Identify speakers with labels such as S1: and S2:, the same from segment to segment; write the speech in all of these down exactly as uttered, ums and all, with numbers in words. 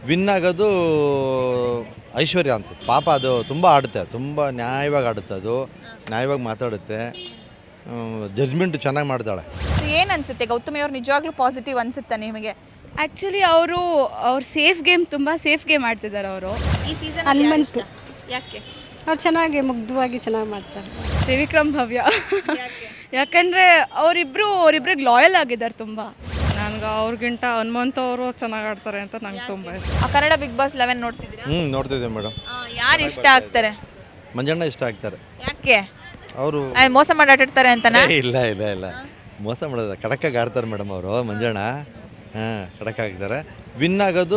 S1: Win ಆಗೋದು ಐಶ್ವರ್ಯ ಅನ್ಸುತ್ತೆ. ಪಾಪ ಅದು ತುಂಬ ಆಡುತ್ತೆ, ತುಂಬ ನ್ಯಾಯವಾಗಿ ಆಡುತ್ತೆ, ಅದು ನ್ಯಾಯವಾಗಿ ಮಾತಾಡುತ್ತೆ, ಜಡ್ಜ್ಮೆಂಟ್ ಚೆನ್ನಾಗಿ ಮಾಡ್ತಾಳೆ.
S2: ಏನು ಅನ್ಸುತ್ತೆ ಗೌತಮಿ ಅವ್ರು ನಿಜವಾಗ್ಲೂ ಪಾಸಿಟಿವ್ ಅನ್ಸುತ್ತಾ ನಿಮಗೆ?
S3: ಆ್ಯಕ್ಚುಲಿ ಅವರು ಅವ್ರು ಸೇಫ್ ಗೇಮ್ ತುಂಬ ಸೇಫ್ ಗೇಮ್ ಆಡ್ತಿದ್ದಾರೆ ಅವರು.
S2: ಈ ಸೀಸನ್
S4: ಹನುಮಂತು
S2: ಯಾಕೆ
S4: ಅವ್ರು ಚೆನ್ನಾಗಿ ಮುಗ್ಧವಾಗಿ ಚೆನ್ನಾಗಿ ಮಾಡ್ತಾರೆ.
S3: ತ್ರಿವಿಕ್ರಮ್ ಭವ್ಯ ಯಾಕಂದರೆ ಅವರಿಬ್ಬರು ಅವರಿಬ್ರಿಗೆ ಲಾಯಲ್ ಆಗಿದ್ದಾರೆ ತುಂಬ.
S5: ನನಗೆ ಅವ್ರಿಗಿಂತ ಹನುಮಂತ ಅವರು ಚೆನ್ನಾಗಿ ಆಡ್ತಾರೆ ಅಂತ ನಂಗೆ ತುಂಬ ಇಷ್ಟ.
S2: ಆ ಕನ್ನಡ ಬಿಗ್ ಬಾಸ್ ಲೆವೆನ್ ನೋಡ್ತಿದ್ದೀರಾ?
S1: ಹ್ಞೂ ನೋಡ್ತಿದ್ದೆ ಮೇಡಮ್.
S2: ಯಾರು ಇಷ್ಟ ಆಗ್ತಾರೆ?
S1: ಮಂಜಣ್ಣ ಇಷ್ಟ ಆಗ್ತಾರೆ.
S2: ಯಾಕೆ?
S1: ಅವರು
S2: ಮೋಸ ಮಾಡಿ ಆಟಾಡ್ತಾರೆ ಅಂತನಾ?
S1: ಇಲ್ಲ ಇಲ್ಲ ಇಲ್ಲ ಮೋಸ ಮಾಡೋದ ಕಡಕ್ಕಾಗಿ ಆಡ್ತಾರೆ ಮೇಡಮ್ ಅವರು. ಮಂಜಣ್ಣ ಹಾಂ ಕಡಕ್ ಆಗ್ತಾರೆ. ವಿನ್ ಆಗೋದು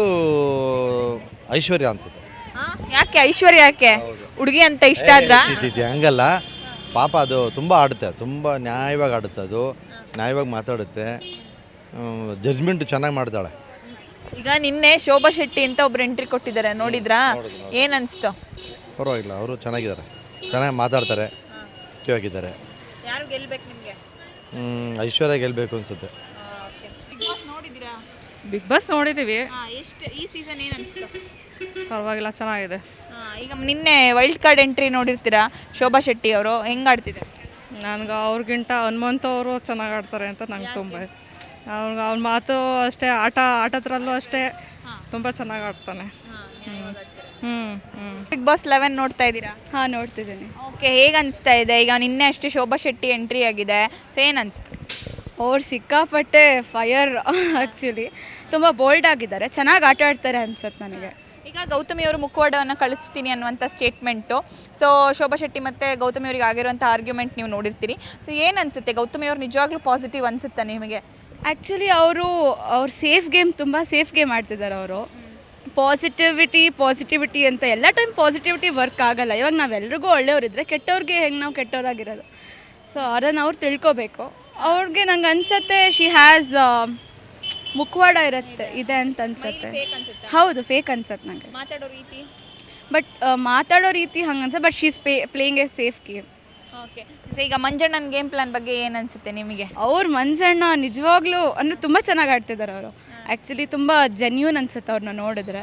S1: ಐಶ್ವರ್ಯ ಅನ್ಸುತ್ತೆ.
S2: ಯಾಕೆ ಐಶ್ವರ್ಯ? ಯಾಕೆ ಹುಡುಗಿ ಅಂತ ಇಷ್ಟ ಆದ್ರ?
S1: ಚಿ ಚಿ ಹಂಗಲ್ಲ, ಪಾಪ ಅದು ತುಂಬ ಆಡುತ್ತೆ, ತುಂಬ ನ್ಯಾಯವಾಗಿ ಆಡುತ್ತೆ, ಅದು ನ್ಯಾಯವಾಗಿ ಮಾತಾಡುತ್ತೆ, ಜಡ್ಜ್ಮೆಂಟ್ ಚೆನ್ನಾಗಿ ಮಾಡ್ತಾಳೆ.
S2: ಈಗ ನಿನ್ನೆ ಶೋಭಾ ಶೆಟ್ಟಿ ಅಂತ ಒಬ್ರು ಎಂಟ್ರಿ ಕೊಟ್ಟಿದ್ದಾರೆ, ನೋಡಿದ್ರಾ? ಏನ್ ಅನ್ಸ್ತು?
S1: ಪರವಾಗಿಲ್ಲ, ಅವರು ಚೆನ್ನಾಗಿದ್ದಾರೆ, ಚೆನ್ನಾಗಿ ಮಾತಾಡ್ತಾರೆ, ಮುಖ್ಯವಾಗಿದ್ದಾರೆ.
S2: ಯಾರು ಗೆಲ್ಬೇಕು ನಿಮಗೆ?
S1: ಐಶ್ವರ್ಯ ಗೆಲ್ಲಬೇಕು ಅನ್ಸುತ್ತೆ.
S2: ಬಿಗ್ ಬಾಸ್ ನೋಡಿದ್ದೀರಾ?
S5: ಬಿಗ್ ಬಾಸ್ ನೋಡಿದ್ದೀವಿ,
S2: ಎಷ್ಟು ಈ ಸೀಸನ್ ಏನು ಅನಿಸ್ತು?
S5: ಪರವಾಗಿಲ್ಲ, ಚೆನ್ನಾಗಿದೆ.
S2: ಈಗ ನಿನ್ನೆ ವೈಲ್ಡ್ ಕಾರ್ಡ್ ಎಂಟ್ರಿ ನೋಡಿರ್ತೀರಾ, ಶೋಭಾ ಶೆಟ್ಟಿ ಅವರು ಹೆಂಗೆ ಆಡ್ತಿದ್ದಾರೆ?
S5: ನನಗೆ ಅವ್ರಿಗಿಂತ ಹನುಮಂತ ಅವರು ಚೆನ್ನಾಗಿ ಆಡ್ತಾರೆ ಅಂತ ನಂಗೆ ತುಂಬ ಇಷ್ಟ. ಅವ್ರಿಗೆ ಅವ್ನ ಮಾತು ಅಷ್ಟೇ, ಆಟ ಆಟದ್ರಲ್ಲೂ ಅಷ್ಟೇ ತುಂಬ ಚೆನ್ನಾಗಿ ಆಡ್ತಾನೆ. ಹ್ಞೂ ಹ್ಞೂ
S2: ಬಿಗ್ ಬಾಸ್ ಲೆವೆನ್ ನೋಡ್ತಾ ಇದ್ದೀರಾ?
S3: ಹಾಂ ನೋಡ್ತಿದ್ದೀನಿ.
S2: ಓಕೆ, ಹೇಗೆ ಅನಿಸ್ತಾ ಇದೆ? ಈಗ ನಿನ್ನೆ ಅಷ್ಟೇ ಶೋಭಾ ಶೆಟ್ಟಿ ಎಂಟ್ರಿ ಆಗಿದೆ, ಸೊ ಏನು ಅನಿಸ್ತು?
S3: ಅವ್ರು ಸಿಕ್ಕಾಪಟ್ಟೆ ಫೈರ್ ಆ್ಯಕ್ಚುಲಿ ತುಂಬ ಬೋಲ್ಡ್ ಆಗಿದ್ದಾರೆ, ಚೆನ್ನಾಗಿ ಆಟ ಆಡ್ತಾರೆ ಅನ್ಸುತ್ತೆ ನನಗೆ.
S2: ಈಗ ಗೌತಮಿ ಅವರು ಮುಖವಾಡವನ್ನು ಕಳಿಸ್ತೀನಿ ಅನ್ನುವಂಥ ಸ್ಟೇಟ್ಮೆಂಟು. ಸೊ ಶೋಭಾ ಶೆಟ್ಟಿ ಮತ್ತು ಗೌತಮಿ ಅವರಿಗೆ ಆಗಿರುವಂಥ ಆರ್ಗ್ಯುಮೆಂಟ್ ನೀವು ನೋಡಿರ್ತೀರಿ. ಸೊ ಏನು ಅನಿಸುತ್ತೆ ಗೌತಮಿ ಅವ್ರು ನಿಜವಾಗ್ಲೂ ಪಾಸಿಟಿವ್ ಅನಿಸುತ್ತಾ ನಿಮಗೆ?
S3: ಆ್ಯಕ್ಚುಲಿ ಅವರು ಅವ್ರು ಸೇಫ್ ಗೇಮ್ ತುಂಬ ಸೇಫ್ ಗೇಮ್ ಆಡ್ತಿದ್ದಾರೆ ಅವರು. ಪಾಸಿಟಿವಿಟಿ ಪಾಸಿಟಿವಿಟಿ ಅಂತ ಎಲ್ಲ ಟೈಮ್ ಪಾಸಿಟಿವಿಟಿ ವರ್ಕ್ ಆಗಲ್ಲ. ಇವಾಗ ನಾವೆಲ್ರಿಗೂ ಒಳ್ಳೆಯವರಿದ್ದರೆ ಕೆಟ್ಟವ್ರಿಗೆ ಹೆಂಗೆ ನಾವು ಕೆಟ್ಟವರಾಗಿರೋದು, ಸೊ ಅದನ್ನು ಅವ್ರು ತಿಳ್ಕೊಬೇಕು. ಅವ್ರಿಗೆ ನಂಗೆ ಅನ್ಸುತ್ತೆ ಶಿ ಹ್ಯಾಸ್ ಮುಖವಾಡ ಇರುತ್ತೆ ಇದೆ ಅಂತ ಅನ್ಸುತ್ತೆ. ಹೌದು, ಫೇಕ್ ಅನ್ಸುತ್ತೆ ನನಗೆ
S2: ಮಾತಾಡೋ ರೀತಿ.
S3: ಬಟ್ ಮಾತಾಡೋ ರೀತಿ ಹಂಗೆ ಅನ್ಸುತ್ತೆ, ಬಟ್ ಶೀಸ್ ಪೇ playing a safe game.
S2: Okay, ಈಗ ಮಂಜಣ್ಣನ ಗೇಮ್ ಪ್ಲಾನ್ ಬಗ್ಗೆ ಏನು ಅನಿಸುತ್ತೆ ನಿಮಗೆ?
S3: ಅವ್ರು ಮಂಜಣ್ಣ ನಿಜವಾಗ್ಲೂ ಅಂದರೆ ತುಂಬ ಚೆನ್ನಾಗಿ ಆಡ್ತಿದ್ದಾರೆ ಅವರು. ಆ್ಯಕ್ಚುಲಿ ತುಂಬ ಜೆನ್ಯೂನ್ ಅನ್ಸುತ್ತೆ ಅವ್ರನ್ನ ನೋಡಿದ್ರೆ.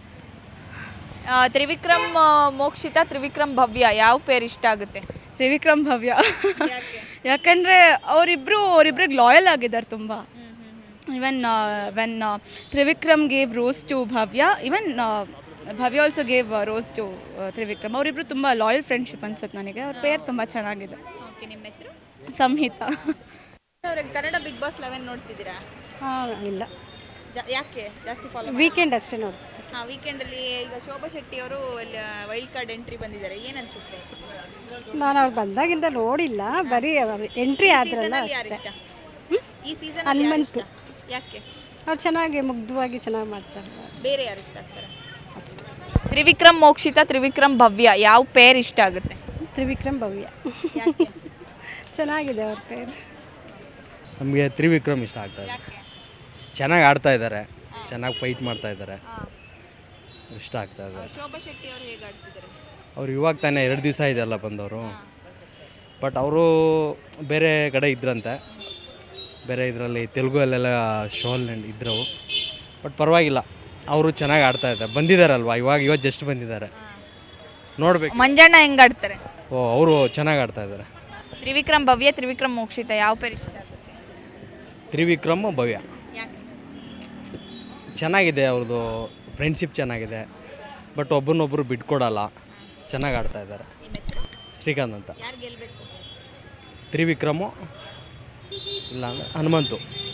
S2: ತ್ರಿವಿಕ್ರಮ್ ಮೋಕ್ಷಿತ, ತ್ರಿವಿಕ್ರಮ್ ಭವ್ಯ, ಯಾವ ಪೇರ್ ಇಷ್ಟ ಆಗುತ್ತೆ?
S3: ತ್ರಿವಿಕ್ರಮ್ ಭವ್ಯ ಯಾಕಂದರೆ ಅವರಿಬ್ಬರು ಅವರಿಬ್ರಿಗೆ ಲಾಯಲ್ ಆಗಿದ್ದಾರೆ ತುಂಬ. Even when Trivikram gave rose to Bhavya, even Bhavya also gave rose to Trivikram. ಅವರಿಬ್ಬರು ತುಂಬ ಲಾಯಲ್ ಫ್ರೆಂಡ್ಶಿಪ್ ಅನ್ಸುತ್ತೆ ನನಗೆ. ಅವ್ರ ಪೇರ್ ತುಂಬ ಚೆನ್ನಾಗಿದೆ.
S2: ಓಕೆ, ನಿಮ್ಮ ಹೆಸರು?
S3: ಸಂಹಿತಾ.
S2: ಅವ್ರಿಗೆ ಕನ್ನಡ ಬಿಗ್ ಬಾಸ್ ಲೆವೆನ್ ನೋಡ್ತಿದ್ದೀರಾ?
S4: ಹಾಂ ಇಲ್ಲ,
S2: ಯಾಕೆ ಜಾಸ್ತಿ ಫಾಲೋ?
S4: ವೀಕೆಂಡ್ ಅಷ್ಟೇ ನೋಡ್ತೀವಿ.
S2: ಹಾಂ, ವೀಕೆಂಡಲ್ಲಿ ಈಗ ಶೋಭಾ ಶೆಟ್ಟಿ ಅವರು ವೈಲ್ಡ್ ಕಾರ್ಡ್ ಎಂಟ್ರಿ ಬಂದಿದ್ದಾರೆ, ಏನು ಅನ್ಸುತ್ತೆ?
S4: ನಾನು ಅವ್ರು ಬಂದಾಗಿಂದ ನೋಡಿಲ್ಲ, ಬರೀ ಎಂಟ್ರಿ ಆದ್ರಲ್ಲ ಅಷ್ಟೇ.
S2: ಈ ಸೀಸನ್
S4: ಹನುಮಂತು
S2: ಯಾಕೆ?
S4: ಅವ್ರು ಚೆನ್ನಾಗಿ ಮುಗ್ಧವಾಗಿ ಚೆನ್ನಾಗಿ ಮಾಡ್ತಾರೆ
S2: ಬೇರೆ ಯಾರು ಇಷ್ಟ ಆಗ್ತಾರೆ?
S4: ಅಷ್ಟೇ.
S2: ತ್ರಿವಿಕ್ರಮ್ ಮೋಕ್ಷಿತ, ತ್ರಿವಿಕ್ರಮ್ ಭವ್ಯ, ಯಾವ ಪೇರ್ ಇಷ್ಟ ಆಗುತ್ತೆ?
S4: ತ್ರಿವಿಕ್ರಮ್ ಭವ್ಯ
S2: ಯಾಕೆ?
S4: ಚೆನ್ನಾಗಿದೆ ಅವ್ರ ಪೇರು.
S6: ನಮಗೆ ತ್ರಿವಿಕ್ರಮ್ ಇಷ್ಟ ಆಗ್ತಾಯಿದೆ. ಚೆನ್ನಾಗಿ ಆಡ್ತಾ ಇದ್ದಾರೆ, ಚೆನ್ನಾಗಿ ಫೈಟ್ ಮಾಡ್ತಾ ಇದ್ದಾರೆ, ಇಷ್ಟ ಆಗ್ತಾ ಇದೆ.
S2: ಶೋಭಾ ಶೆಟ್ಟಿ ಅವರು ಹೇಗೆ ಆಡ್ತಿದ್ದಾರೆ?
S6: ಅವ್ರು ಇವಾಗ ತಾನೇ ಎರಡು ದಿವಸ ಇದೆಲ್ಲ ಬಂದವರು, ಬಟ್ ಅವರು ಬೇರೆ ಕಡೆ ಇದ್ರಂತೆ, ಬೇರೆ ಇದರಲ್ಲಿ ತೆಲುಗಲ್ಲೆಲ್ಲ ಶೋಲ್ಲಿ ಇದ್ರು. ಬಟ್ ಪರವಾಗಿಲ್ಲ, ಅವರು ಚೆನ್ನಾಗಿ ಆಡ್ತಾ ಇದ್ದಾರೆ. ಬಂದಿದ್ದಾರಲ್ವ ಇವಾಗ, ಇವತ್ತು ಜಸ್ಟ್ ಬಂದಿದ್ದಾರೆ, ನೋಡ್ಬೇಕು.
S2: ಮಂಜಣ್ಣ ಹೆಂಗೆ ಆಡ್ತಾರೆ?
S6: ಓ, ಅವರು ಚೆನ್ನಾಗಿ ಆಡ್ತಾ ಇದ್ದಾರೆ.
S2: ತ್ರಿವಿಕ್ರಮ್ ಭವ್ಯ, ತ್ರಿವಿಕ್ರಮ್ ಮೋಕ್ಷಿತ, ಯಾವ ಪೇರ್ ಇಷ್ಟ ಆಗುತ್ತೆ?
S6: ತ್ರಿವಿಕ್ರಮ್ ಭವ್ಯ
S2: ಯಾಕೆ?
S6: ಚೆನ್ನಾಗಿದೆ, ಅವ್ರದ್ದು ಫ್ರೆಂಡ್ಶಿಪ್ ಚೆನ್ನಾಗಿದೆ, ಬಟ್ ಒಬ್ಬರನ್ನೊಬ್ಬರು ಬಿಟ್ಕೊಡಲ್ಲ, ಚೆನ್ನಾಗಿ ಆಡ್ತಾ ಇದ್ದಾರೆ. ಶ್ರೀಕಾಂತ್ ಅಂತ.
S2: ಯಾರು ಗೆಲ್ಲಬೇಕು?
S6: ತ್ರಿವಿಕ್ರಮು ಇಲ್ಲ ಅಂದರೆ ಹನುಮಂತು.